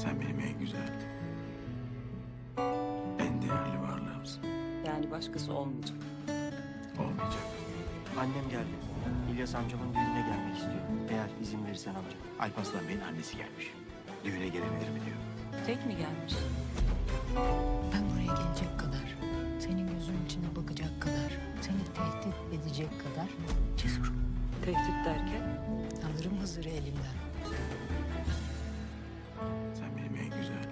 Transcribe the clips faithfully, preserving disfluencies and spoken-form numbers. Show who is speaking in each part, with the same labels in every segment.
Speaker 1: Sen benim en güzel, en değerli varlığımsın.
Speaker 2: Yani başkası olmayacak.
Speaker 1: Olmayacak.
Speaker 3: Annem geldi. İlyas amcamın düğününe gelmek istiyor. Eğer izin verirsen amca.
Speaker 1: Alparslan Bey'in annesi gelmiş. Düğüne gelebilir mi diyor.
Speaker 2: Tek mi gelmiş?
Speaker 4: Ben buraya gelecek kadar, senin gözünün içine bakacak kadar, seni tehdit edecek kadar cesurum.
Speaker 2: Tehdit derken?
Speaker 4: Alırım Hızır'ı elimden.
Speaker 1: Sen benim en güzel,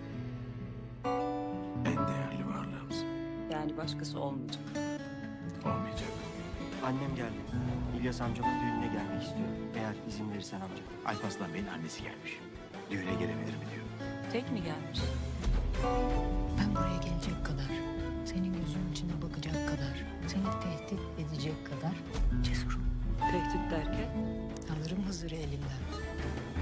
Speaker 1: en değerli varlığımsın.
Speaker 2: Yani başkası olmayacak.
Speaker 1: Olmayacak.
Speaker 3: Annem geldi. İlyas amcamın düğününe gelmek istiyor. Eğer izin verirsen amca.
Speaker 1: Alparslan Bey'in annesi gelmiş. Düğüne gelebilir mi diyor.
Speaker 2: Tek mi gelmiş?
Speaker 4: Ben buraya gelecek kadar, senin gözünün içine bakacak kadar, seni tehdit edecek kadar cesurum.
Speaker 2: Tehdit derken?
Speaker 4: Alırım Hızır'ı elimden.